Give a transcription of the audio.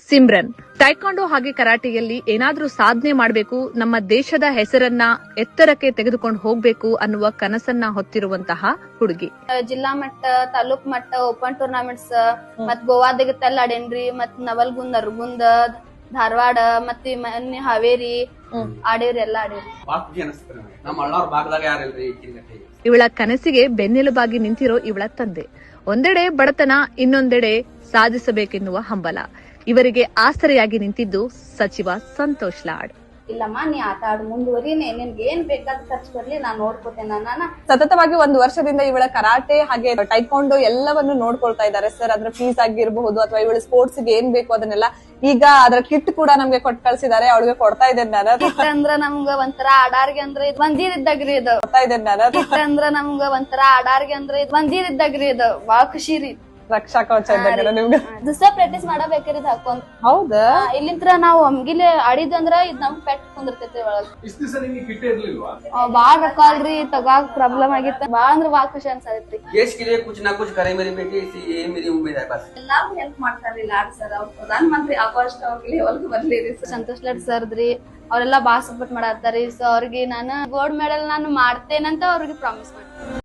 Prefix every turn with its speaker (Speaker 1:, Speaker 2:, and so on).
Speaker 1: ಸಿಮ್ರನ್ ಟೈಕಾಂಡೋ ಹಾಗೆ ಕರಾಟೆಯಲ್ಲಿ ಏನಾದ್ರೂ ಸಾಧನೆ ಮಾಡಬೇಕು, ನಮ್ಮ ದೇಶದ ಹೆಸರನ್ನ ಎತ್ತರಕ್ಕೆ ತೆಗೆದುಕೊಂಡು ಹೋಗ್ಬೇಕು ಅನ್ನುವ ಕನಸನ್ನ ಹೊತ್ತಿರುವಂತಹ ಹುಡುಗಿ.
Speaker 2: ಜಿಲ್ಲಾ ಮಟ್ಟ, ತಾಲೂಕ್ ಮಟ್ಟ, ಓಪನ್ ಟೂರ್ನಮೆಂಟ್ಸ್ ಮತ್ ಗೋವಾದಾಗೆಲ್ಲ ಆಡೇನ್ರಿ. ಮತ್ ನವಲ್ಗುಂದ್, ನರಗುಂದ, ಧಾರವಾಡ ಮತ್ತೆ ಮೊನ್ನೆ ಹಾವೇರಿ ಆಡೇವ್ರಿ, ಎಲ್ಲಾ ಆಡೇವ್ರಿ.
Speaker 1: ಇವಳ ಕನಸಿಗೆ ಬೆನ್ನೆಲುಬಾಗಿ ನಿಂತಿರೋ ಇವಳ ತಂದೆ. ಒಂದೆಡೆ ಬಡತನ, ಇನ್ನೊಂದೆಡೆ ಸಾಧಿಸಬೇಕೆನ್ನುವ ಹಂಬಲ. ಇವರಿಗೆ ಆಸರೆಯಾಗಿ ನಿಂತಿದ್ದು ಸಚಿವ ಸಂತೋಷ್ ಲಾಡ್.
Speaker 2: ಇಲ್ಲಮ್ಮ, ನೀ ಆಟ ಆಡು, ಮುಂದುವರಿ, ನಿನ್ಗೆ ಏನ್ ಬೇಕಾದ ಖರ್ಚು ಬರ್ಲಿ, ನಾನ್ ನೋಡ್ಕೋತೇನೆ.
Speaker 3: ಸತತವಾಗಿ 1 ವರ್ಷದಿಂದ ಇವಳ ಕರಾಟೆ ಹಾಗೆ ಟೈಕಾಂಡೋ ಎಲ್ಲವನ್ನು ನೋಡ್ಕೊಳ್ತಾ ಇದ್ದಾರೆ ಸರ್. ಅದ್ರ ಫೀಸ್ ಆಗಿರಬಹುದು ಅಥವಾ ಇವಳ ಸ್ಪೋರ್ಟ್ಸ್ ಗೆ ಏನ್ ಬೇಕು ಅದನ್ನೆಲ್ಲ ಈಗ ಅದ್ರ ಕಿಟ್ ಕೂಡ ನಮ್ಗೆ ಕೊಟ್ಟು ಕಳ್ಸಿದ್ದಾರೆ. ಅವಳಿಗೆ ಕೊಡ್ತಾ ಇದ್ದೇನೆ ನಾನು.
Speaker 2: ಕಿಟ್ ಅಂದ್ರ ನಮ್ಗ ಒಂಥರ ಆಡಾರ್ಗೆ ಅಂದ್ರೆ ಇದು ಮಂದಿರಿದ್ದಾಗ್ರಿ, ಇದು
Speaker 3: ಕೊಡ್ತಾ ಇದ್ದೇನೆ ನಾನು.
Speaker 2: ಕಿಟ್ ಅಂದ್ರ ನಮ್ಗ ಒಂಥರ ಆಡಾರ್ಗೆ ಅಂದ್ರೆ ಇದು ಮಂದಿರಿದ್ದಾಗ್ರಿ, ಇದು ಬಾಳ ಖುಷಿ ರೀ.
Speaker 3: ರಕ್ಷಾ ಕವಚ ಇದ್ದಂಗೆ ನಿಮ್ಗೆ.
Speaker 2: ದಿವಸ ಪ್ರಾಕ್ಟೀಸ್ ಮಾಡಬೇಕ್ರಿ ಇದು ಹಾಕೊಂಡ್.
Speaker 3: ಹೌದಾ?
Speaker 2: ಇಲ್ಲಿಂತ್ರ ನಾವು ಒಮ್ಗಿಲೆ ಆಡಿದಂದ್ರ ಇದ್ ನಮ್ ಪೆಟ್ ಕುಂದಿರ್ತೈತಿ ಒಳಗ. ಬಾಳ್ ರೊಕ್ಕ ಅಲ್ರಿ, ತಗಾಕ್ ಪ್ರಾಬ್ಲಮ್ ಆಗಿತ್ತ. ಬಾಳ ಅಂದ್ರ ಬಾಳ ಖುಷಿ ಅನ್ಸತ್ರಿ. ಎಲ್ಲಾರು ಹೆಲ್ಪ್ ಮಾಡ್ತಾರ್ರಿ ಲಾಡ್ ಸರ್. ಅವ್ರ ಪ್ರಧಾನ ಮಂತ್ರಿ ಆಗೋಷ್ಟು ಅವ್ರಿಗೆ ಹೊಲಕ್ ಬರ್ಲಿರಿ. ಸಂತೋಷ್ ಲಾಡ್ ಸರ್ದ್ರಿ, ಅವರೆಲ್ಲಾ ಬಾಳ ಸಪೋರ್ಟ್ ಮಾಡತ್ತಾರಿ. ಸೊ ಅವ್ರಿಗೆ ನಾನು ಗೋಲ್ಡ್ ಮೆಡಲ್ ನಾನು ಮಾಡ್ತೇನಂತ ಅವ್ರಿಗೆ ಪ್ರಾಮಿಸ್ ಮಾಡ್ತೀನಿ.